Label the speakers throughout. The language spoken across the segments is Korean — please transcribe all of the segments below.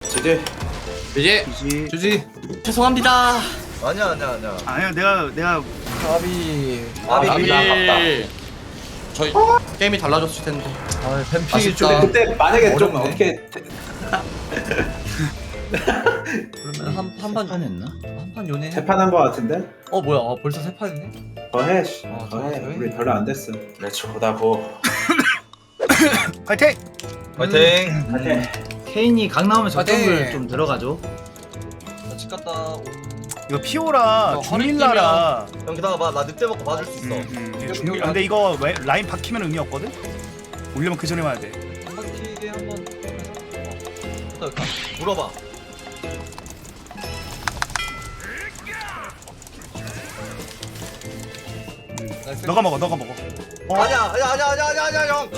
Speaker 1: 지지.
Speaker 2: 주지.
Speaker 3: 죄송합니다.
Speaker 4: 아니야.
Speaker 5: 아니야 내가
Speaker 3: 아비.
Speaker 2: 저희 게임이 달라졌을 텐데.
Speaker 3: 아 뱀픽이
Speaker 2: 아쉽다.
Speaker 3: 좀.
Speaker 1: 그때 만약에 좀
Speaker 3: 어렵네.
Speaker 1: 어떻게
Speaker 3: 그러면 한판
Speaker 2: 했나?
Speaker 3: 한판 요네.
Speaker 1: 재판한 거 같은데?
Speaker 3: 뭐야? 벌써 세 판이네.
Speaker 1: 더해. 씨.
Speaker 3: 더
Speaker 1: 더해.
Speaker 3: 해.
Speaker 1: 우리 별로 안 됐어. 레츠고다 고.
Speaker 5: 파이팅!
Speaker 4: 파이팅.
Speaker 1: 파이팅.
Speaker 6: 케인이 각 나오면 저쪽을
Speaker 3: 파이팅!
Speaker 6: 좀 들어가죠.
Speaker 3: 집 갔다.
Speaker 5: 이거 피오라 주밀라라
Speaker 4: 형 기다려봐. 나 늑대 먹고 봐줄 수 있어.
Speaker 5: 주밀 근데 이거 왜 라인 박히면 의미 없거든? 올려면 그 전에 와야 돼.
Speaker 3: 한 바퀴게 한번. 여기다.
Speaker 4: 물어봐.
Speaker 3: 나이스.
Speaker 5: 너가 먹어
Speaker 4: 아니야 형.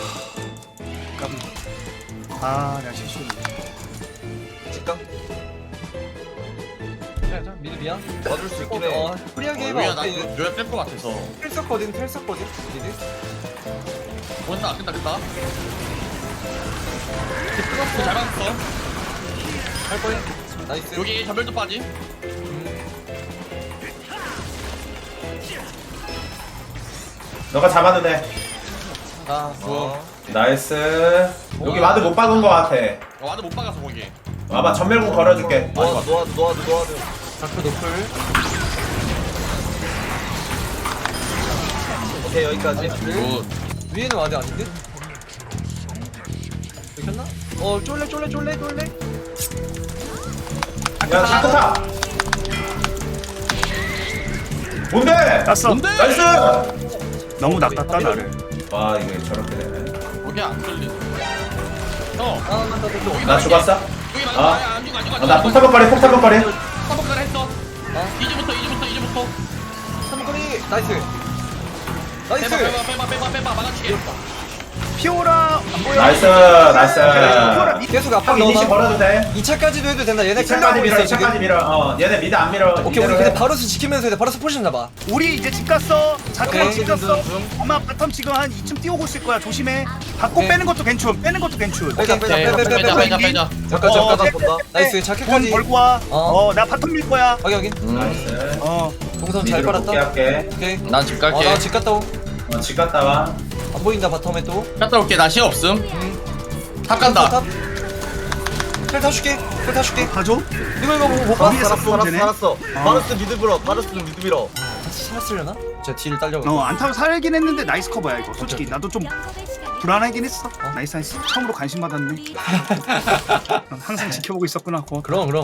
Speaker 5: 아 내가 실수했네.
Speaker 4: 직감
Speaker 3: 자, 미드 미야.
Speaker 4: 봐줄 수 있긴 해.
Speaker 3: 프리하게
Speaker 2: 류야
Speaker 3: 해봐.
Speaker 2: 나 류야 뺄것 같아서.
Speaker 3: 텔 썼거든. 미드.
Speaker 2: 본다 끈다. 끊었어. 잘 맞았어.
Speaker 3: 할 거야. 나이스.
Speaker 2: 여기 전멸도 빠지.
Speaker 1: 너가 잡아도 돼.
Speaker 2: 아 좋아.
Speaker 1: 나이스. 여기 와드 못 박은 거 같아.
Speaker 2: 와드 못 박아서 거기.
Speaker 1: 와봐 전멸공 걸어줄게.
Speaker 4: 놓아줘.
Speaker 3: 다크 노플.
Speaker 4: 오케이 여기까지.
Speaker 2: 굿.
Speaker 3: 위에는 와드 아닌데? 되셨나? 쫄래.
Speaker 1: 야 샤크타. 뭔데?
Speaker 5: 땄어.
Speaker 2: 뭔데?
Speaker 1: 나이스.
Speaker 5: 너무 낚았다 나를.
Speaker 1: 와 이게 저렇게 되네.
Speaker 2: 거기 안 뚫리네. 형.
Speaker 1: 나 죽었어?
Speaker 2: 여기
Speaker 1: 아.
Speaker 2: 안 죽어.
Speaker 1: 나 폭탄벅거리.
Speaker 2: 한번까지 했어. 이제부터.
Speaker 3: 삼거리 나이스.
Speaker 2: 빼봐 막아치게.
Speaker 5: 피오라 안 보여.
Speaker 1: 나이스.
Speaker 5: 피오라 밑.
Speaker 3: 계속 앞으로
Speaker 1: 형 이니시
Speaker 3: 넣어봐.
Speaker 1: 걸어도 돼.
Speaker 3: 2차까지도 해도 된다. 얘네
Speaker 1: 2차까지
Speaker 3: 클리어하고
Speaker 1: 밀어.
Speaker 3: 있어 지금.
Speaker 1: 2차까지 밀어. 얘네 미드 안 밀어.
Speaker 3: 오케이 우리
Speaker 1: 이대로
Speaker 3: 근데
Speaker 1: 해.
Speaker 3: 바로스 지키면서 해야 돼. 바로스 포지션 잡아.
Speaker 5: 우리 이제 집 갔어. 자크랑
Speaker 3: 오케이.
Speaker 5: 집 갔어. 아마 바텀 지금 한 2층 뛰어오고 있을 거야. 조심해. 받고
Speaker 3: 오케이.
Speaker 5: 빼는 것도 괜찮.
Speaker 3: 빼자.
Speaker 2: 빼자.
Speaker 3: 잠깐 본다. 나이스. 자켓까지.
Speaker 5: 돈 벌고 와.
Speaker 3: 어.
Speaker 5: 나 바텀 밀 거야.
Speaker 3: 확인.
Speaker 1: 나이스.
Speaker 3: 동선 잘
Speaker 1: 미드로
Speaker 3: 빨았다.
Speaker 1: 복귀할게.
Speaker 3: 오케이.
Speaker 2: 난 집 갈게.
Speaker 3: 나 집 갔다 오.
Speaker 1: 집 갔다 와.
Speaker 3: 안 보인다 바텀에 또.
Speaker 2: 갔다 올게. 나 시간 없음. 탑 간다.
Speaker 3: 텔 타줄게.
Speaker 5: 가줘.
Speaker 3: 이거 못 봐?
Speaker 5: 위에서 뽕제네.
Speaker 4: 살았어. 바르스 미드 밀어.
Speaker 3: 같이 살았으려나? 제가 딜 딸려고.
Speaker 5: 안 타고 살긴 했는데 나이스 커버야 이거. 솔직히 나도 좀 불안하긴 했어. 나이스. 처음으로 관심 받았네. 항상 지켜보고 있었구나. 고맙다.
Speaker 3: 그럼.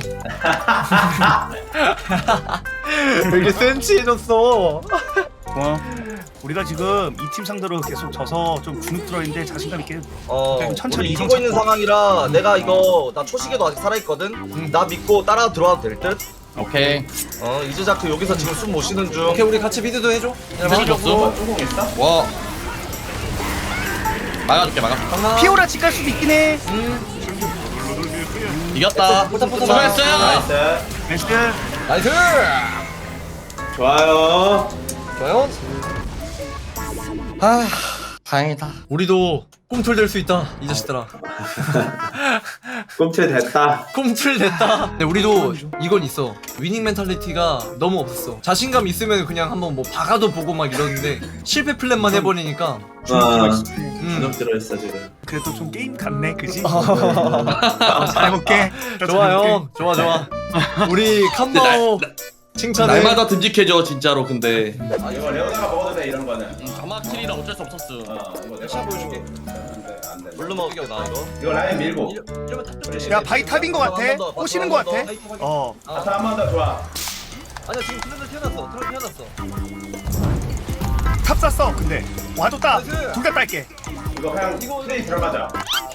Speaker 3: 왜 이렇게 센치해졌어?
Speaker 5: 고마워. 우리가 지금 이 팀 상대로 계속 져서 좀 주눅 들어있는데 자신감 있게 천천히
Speaker 4: 우리
Speaker 5: 이성
Speaker 4: 이기고 있는
Speaker 5: 찾고.
Speaker 4: 상황이라 내가 이거 나 초시계도 아직 살아있거든. 나 믿고 따라 들어와도 될 듯.
Speaker 2: 오케이.
Speaker 4: 이즈자크 여기서 지금 숨 못 쉬는 중.
Speaker 3: 오케이 우리 같이 미드도 해줘.
Speaker 2: 미드 줬어.
Speaker 1: 조공 있어?
Speaker 2: 와. 막아줄게.
Speaker 3: 강나.
Speaker 5: 피오라 집 갈 수도 있긴 해.
Speaker 2: 이겼다.
Speaker 3: 포탑.
Speaker 2: 수고했어요.
Speaker 1: 나이스.
Speaker 5: 나이스.
Speaker 3: 나이스.
Speaker 1: 좋아요.
Speaker 3: 좋아요.
Speaker 2: 다행이다.
Speaker 3: 우리도 꿈틀 될 수 있다 이 자식들아.
Speaker 1: 꿈틀 됐다.
Speaker 3: 꿈틀 됐다. 근데 우리도 이건 있어. 위닝 멘탈리티가 너무 없었어. 자신감 있으면 그냥 한번 뭐 박아도 보고 막 이러는데 실패 플랜만 해버리니까.
Speaker 1: 주눅 들어있어 지금.
Speaker 5: 그래도 좀 게임 같네, 그지? 잘 볼게.
Speaker 3: 좋아요. 좋아. 우리 캄바오 칭찬해.
Speaker 2: 날마다 듬직해져 진짜로. 근데
Speaker 1: 이거 레오나가 먹어도 돼 이런 거는.
Speaker 2: 가마킬이라 어쩔 수 없었어.
Speaker 1: 이거
Speaker 3: 내가 보여줄게.
Speaker 1: 안돼.
Speaker 4: 물로 먹을게 나 이거.
Speaker 1: 이거 라인 밀고.
Speaker 3: 이러면 탑
Speaker 5: 야, 바이 탑인 거 같아.
Speaker 4: 한번 더,
Speaker 5: 꼬시는 거 같아. 어.
Speaker 1: 아타 한 번 더 좋아.
Speaker 3: 아니야 지금 트렌드 태어났어.
Speaker 5: 탑 쐈어. 근데 와줬다.
Speaker 3: 나이스.
Speaker 5: 둘 다 딸게.
Speaker 1: 이거 그냥 트레이 들어가자.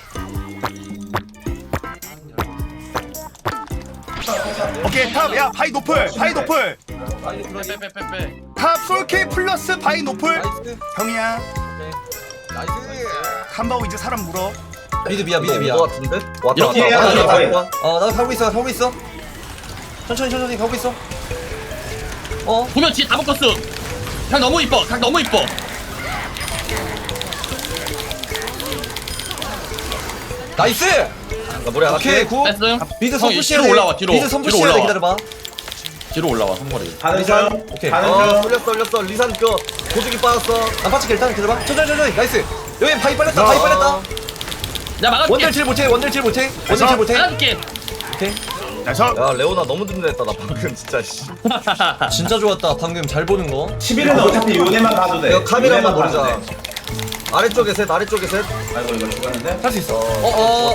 Speaker 5: 오케이, 탑. 야, 바이 노플.
Speaker 2: 빼빼빼빼.
Speaker 5: 탑 솔케 플러스 바이 노플.
Speaker 3: 나이스.
Speaker 5: 형이야.
Speaker 3: 나이스.
Speaker 5: 캄바오 이제 사람 물어.
Speaker 3: 미드 비야.
Speaker 4: 이거 같은데? 왔다.
Speaker 1: 여기에 하나 더.
Speaker 4: 왔다.
Speaker 3: 나도 가고 있어. 천천히 가고 있어.
Speaker 2: 보면 뒤에 다 묶었어. 각 너무 이뻐.
Speaker 3: 나이스.
Speaker 4: 나 모래 안
Speaker 3: 오케이
Speaker 4: 할게.
Speaker 3: 굿.
Speaker 2: 뺐음.
Speaker 3: 미드
Speaker 2: 형,
Speaker 3: 선푸시해야
Speaker 2: 뒤로 올라와, 뒤로.
Speaker 3: 미드
Speaker 2: 뒤로
Speaker 3: 선푸시해야 돼.
Speaker 2: 올라와.
Speaker 3: 기다려봐.
Speaker 2: 뒤로 올라와 선거리.
Speaker 1: 가는 중.
Speaker 3: 오케이.
Speaker 1: 가는 중.
Speaker 4: 올렸어. 리산 그 고주기 빠졌어.
Speaker 3: 안 빠질게 일단 기다려봐. 천천히. 나이스. 여기 바위 빨렸다. 바위 빨렸다.
Speaker 2: 야 막아줄게.
Speaker 3: 원딜 질 못해. 원딜 질 못해. 원딜 질 못해.
Speaker 2: 막아줄게.
Speaker 3: 오케이.
Speaker 5: 나이스.
Speaker 4: 야 레오나 너무 든든했다 나 방금 진짜 씨.
Speaker 3: 진짜 좋았다. 방금 잘 보는 거.
Speaker 1: 11은 어차피 요네만 봐도 돼.
Speaker 4: 이거 카메라만
Speaker 1: 요네만 봐도
Speaker 4: 보자.
Speaker 1: 돼.
Speaker 4: 아래쪽에 셋.
Speaker 1: 아이고 이거 죽었는데.
Speaker 3: 할 수 있어.
Speaker 4: 어.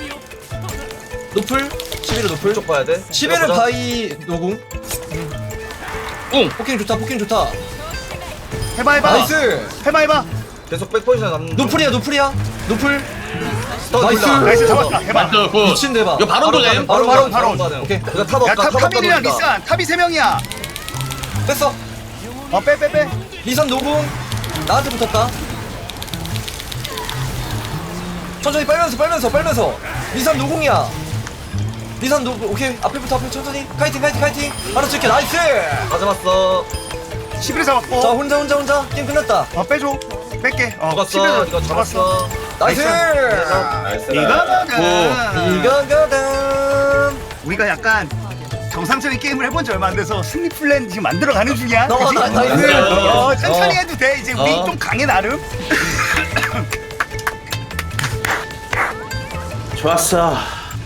Speaker 3: 노플. 11은 노플.
Speaker 4: 쪽 봐야 돼.
Speaker 3: 11은 바위 노궁.
Speaker 2: 응.
Speaker 3: 포킹 좋다. 포킹 좋다.
Speaker 5: 해봐.
Speaker 3: 나이스.
Speaker 5: 해봐.
Speaker 4: 계속 백포지션 잡는.
Speaker 3: 노플이야. 노플. 나이스.
Speaker 5: 나이스 잡았다. 해봐.
Speaker 2: 맞죠. 그.
Speaker 3: 미친 대박.
Speaker 2: 이거 바로 돌림.
Speaker 3: 바로.
Speaker 4: 가능.
Speaker 3: 오케이.
Speaker 4: 이거 탑 없다.
Speaker 5: 야,
Speaker 4: 탑 없다.
Speaker 5: 탑이랑
Speaker 4: 돌린다.
Speaker 5: 리산. 탑이 3명이야.
Speaker 3: 뺐어.
Speaker 5: 빼.
Speaker 3: 리산 노궁. 나한테 붙었다. 천천히 빨면서. 리산 노궁이야. 리산 노궁. 오케이. 앞에부터 천천히. 카이팅. 바로 찍게. 나이스.
Speaker 4: 가져갔어.
Speaker 5: 11을 잡았고.
Speaker 3: 자 혼자 게임 끝났다.
Speaker 5: 빼줘. 뺄게.
Speaker 4: 죽었어.
Speaker 5: 11을
Speaker 4: 이거 잡았어.
Speaker 3: 나이스.
Speaker 1: 나이스.
Speaker 3: 이거거든.
Speaker 5: 우리가 약간 정상적인 게임을 해본 지 얼마 안 돼서 승리 플랜 지금 만들어가는 중이야.
Speaker 3: 너,
Speaker 5: 그치?
Speaker 3: 나이스.
Speaker 5: 천천히 해도 돼. 이제 우리
Speaker 3: 어.
Speaker 5: 좀 강해 나름.
Speaker 1: 좋았어.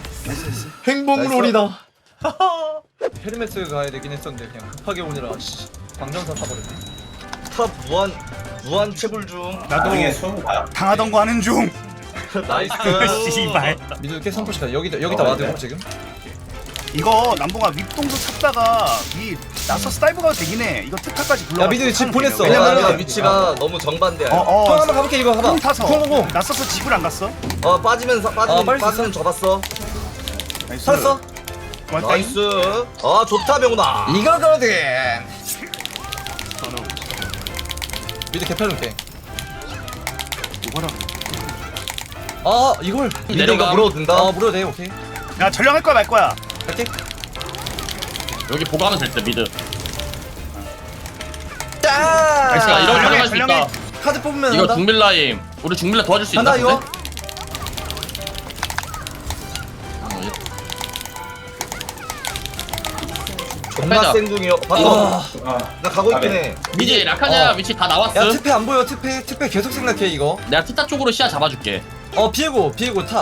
Speaker 3: 행복롤이다. 헤르메스 가야 되긴 했었는데 그냥 급하게 오느라 광전사 타버렸네.
Speaker 4: 탑 무한 채굴 중.
Speaker 1: 나중에 수업 가.
Speaker 5: 당하던 거 하는 중.
Speaker 4: 나이스.
Speaker 5: 씨발.
Speaker 3: 미드 깨 선포시가 여기다 와드고 지금.
Speaker 5: 이거 남봉아 윗동도 찾다가 이 나서스 다이브가 되긴 해. 이거 특화까지 불러.
Speaker 3: 야, 미드 집 보냈어.
Speaker 4: 왜냐면
Speaker 3: 왜냐면
Speaker 4: 위치가 너무 정반대야.
Speaker 3: 형 한번 가볼게 이거 봐봐.
Speaker 5: 쿵 타서.
Speaker 3: 쿵.
Speaker 5: 나서스 집을 안 갔어.
Speaker 4: 빠지면
Speaker 3: 빨리
Speaker 4: 빠지면 접었어.
Speaker 5: 나이스.
Speaker 3: 살았어.
Speaker 5: 고맙다.
Speaker 4: 나이스. 좋다 명훈아.
Speaker 3: 이거거든. 미드 개펴줄게.
Speaker 5: 이거라.
Speaker 3: 아 이걸
Speaker 4: 내려가 물어도 된다.
Speaker 3: 물어도 돼. 오케이.
Speaker 5: 야 전령할 거야 말 거야.
Speaker 3: 갈게.
Speaker 2: 여기 보강하면 될 때 미드.
Speaker 3: 짜.
Speaker 2: 나이스. 이런 거
Speaker 5: 전령해,
Speaker 2: 가능할 수 있다.
Speaker 5: 전령해.
Speaker 3: 카드 뽑으면
Speaker 2: 이거
Speaker 3: 한다.
Speaker 2: 중밀라임. 우리 중밀라 도와줄 수 있나?
Speaker 3: 간다 이거.
Speaker 4: 존나
Speaker 2: 빼자.
Speaker 4: 생둥이요. 봤어.
Speaker 3: 와.
Speaker 4: 나 가고 있긴 해.
Speaker 2: 이제 라카냐
Speaker 3: 어.
Speaker 2: 위치 다
Speaker 3: 야
Speaker 2: 나왔음.
Speaker 3: 특패 안 보여. 특패 계속 생각해 이거.
Speaker 2: 내가 티타 쪽으로 시야 잡아줄게.
Speaker 3: 비에고 탑.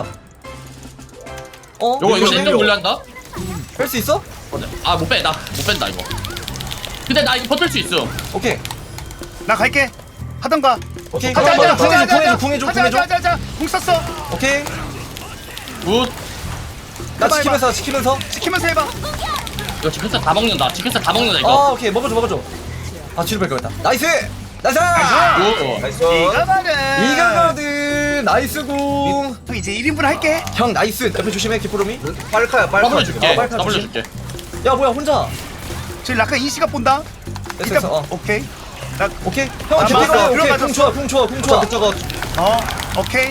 Speaker 2: 요거 실점 분리한다.
Speaker 3: 뺄 수 있어?
Speaker 2: 아 못 뺀다. 못 뺀다 이거. 근데 나 이거 버틸 수 있어.
Speaker 3: 오케이.
Speaker 5: 나 갈게. 하던가.
Speaker 3: 오케이.
Speaker 5: 하자.
Speaker 3: 궁해줘.
Speaker 5: 하자. 궁 썼어.
Speaker 3: 오케이.
Speaker 2: 굿.
Speaker 3: 나
Speaker 5: 해봐,
Speaker 3: 지키면서.
Speaker 5: 시키면서 해봐.
Speaker 2: 이거 치킨스 다 먹는다. 치킨스 다 먹는다 이거.
Speaker 3: 아 오케이 먹어줘. 아 뒤로 뺄 거였다. 나이스.
Speaker 2: 굿.
Speaker 4: 나이스.
Speaker 3: 이거거든. 나이스 궁.
Speaker 5: 형 이제 1인분 할게.
Speaker 3: 형 나이스. 옆에 조심해 기포로미.
Speaker 4: 빨카야 빨카.
Speaker 2: 더블 줄게.
Speaker 3: 빨리
Speaker 2: 더블
Speaker 3: 조심.
Speaker 2: 줄게.
Speaker 3: 야 뭐야 혼자.
Speaker 5: 저기 라카 이씨가 본다.
Speaker 3: 됐어.
Speaker 5: 오케이. 나
Speaker 3: 오케이. 형
Speaker 5: 아,
Speaker 3: 개피가
Speaker 5: 맞아.
Speaker 3: 오케이.
Speaker 5: 들어가졌어.
Speaker 3: 궁 좋아.
Speaker 4: 저거
Speaker 5: 오케이.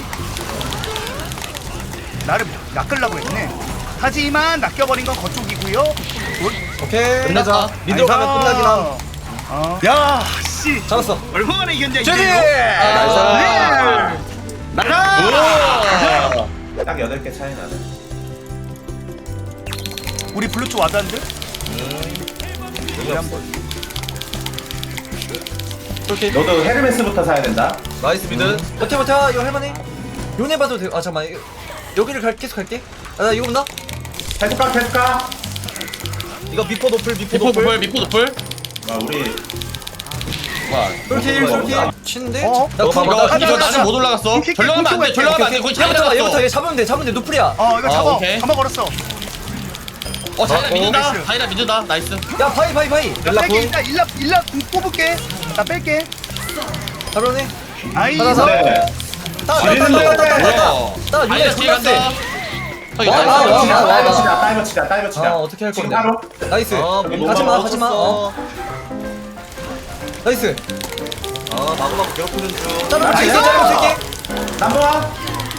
Speaker 5: 나를 낚으려고 했네. 하지만 낚여버린 건 거쪽이고요.
Speaker 3: 오케이.
Speaker 4: 끝내자. 미드로 가면 끝나긴 함.
Speaker 5: 야, 씨.
Speaker 3: 잡았어.
Speaker 5: 얼마나 이겼냐
Speaker 3: 제리.
Speaker 5: 이게.
Speaker 3: 나이스.
Speaker 5: 나가.
Speaker 1: 딱 8개 차이 나네.
Speaker 5: 우리 블루투 와드한데?
Speaker 3: 오케이.
Speaker 1: 너도 헤르메스부터 사야 된다.
Speaker 4: 나이스 미드.
Speaker 3: 버텨. 이거 할만해. 요네 봐도 돼. 아 잠깐만. 여기를 계속 갈게. 나 이거 본다.
Speaker 1: 계속 가.
Speaker 4: 이거 미포 노플.
Speaker 2: 미포 노플. 미포 노플.
Speaker 1: 와 우리
Speaker 3: 솔킬. 치는데?
Speaker 5: 어?
Speaker 3: 나
Speaker 4: 너
Speaker 3: 궁.
Speaker 4: 봐봐.
Speaker 2: 이거 나는 못 올라갔어.
Speaker 5: 킥,
Speaker 2: 전령하면 안 돼.
Speaker 5: 킥,
Speaker 2: 전령하면 안 돼. 거기 잘
Speaker 3: 얘부터
Speaker 2: 들어갔어.
Speaker 3: 얘 잡으면 돼. 노플이야.
Speaker 5: 이거 잡아.
Speaker 2: 오케이.
Speaker 5: 잡아 걸었어.
Speaker 2: 자이라 미드다.
Speaker 5: 나이스.
Speaker 2: 자이라 미드다. 나이스.
Speaker 3: 야 바이.
Speaker 5: 나
Speaker 4: 일라
Speaker 5: 뺄게.
Speaker 4: 궁.
Speaker 5: 일라 궁 뽑을게. 나 뺄게.
Speaker 3: 잡으네.
Speaker 5: 아이.
Speaker 3: 하나 더.
Speaker 1: 네.
Speaker 3: 따.
Speaker 2: 뭐야?
Speaker 3: 나
Speaker 2: 자이라
Speaker 3: 요네
Speaker 2: 뒤에
Speaker 3: 존나
Speaker 2: 간다.
Speaker 3: 세.
Speaker 2: 저기
Speaker 3: 와,
Speaker 2: 나이스.
Speaker 3: 와.
Speaker 1: 다이버 치자.
Speaker 3: 어떻게 할
Speaker 1: 지금
Speaker 3: 건데?
Speaker 1: 바로.
Speaker 3: 나이스.
Speaker 4: 못
Speaker 3: 가지마.
Speaker 4: 먹었어.
Speaker 3: 나이스.
Speaker 4: 마구마구 괴롭히는 중.
Speaker 3: 짜랑
Speaker 5: 나이스.
Speaker 3: 칠게.
Speaker 1: 남보아.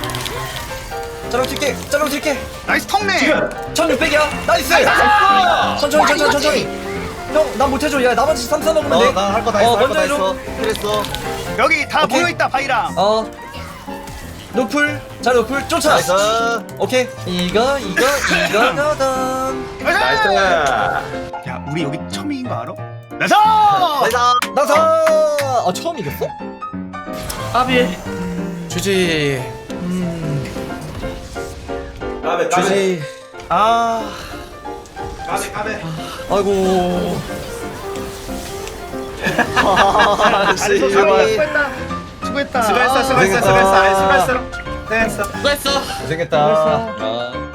Speaker 3: 짜랑 칠게.
Speaker 5: 나이스 턱내.
Speaker 1: 지금.
Speaker 3: 1600이야. 나이스. 천천히. 형, 난 못해줘. 야, 나머지 3, 4 먹으면 돼.
Speaker 4: 나 할 거 다 했어.
Speaker 3: 먼저 해줘.
Speaker 4: 그랬어.
Speaker 5: 여기 다
Speaker 3: 오케이.
Speaker 5: 모여 있다 바이랑.
Speaker 3: 노플 자 노플 쫓아
Speaker 4: 나이스.
Speaker 3: 오케이 이거거든
Speaker 1: 나이스.
Speaker 5: 야 우리 여기 처음 이긴 거 알아? 나이스!
Speaker 4: 나이스.
Speaker 3: 나사 아 처음 이겼어?
Speaker 2: 아비.
Speaker 3: 주지
Speaker 1: 까베 까베
Speaker 3: 주지 아
Speaker 1: 까베 까베.
Speaker 3: 아이고
Speaker 5: 수고했다. 수고했다.
Speaker 1: 수고했어 수고했어 수고했어. 아이, 수고했어. 고생했어.
Speaker 2: 수고했어.
Speaker 3: 고생했다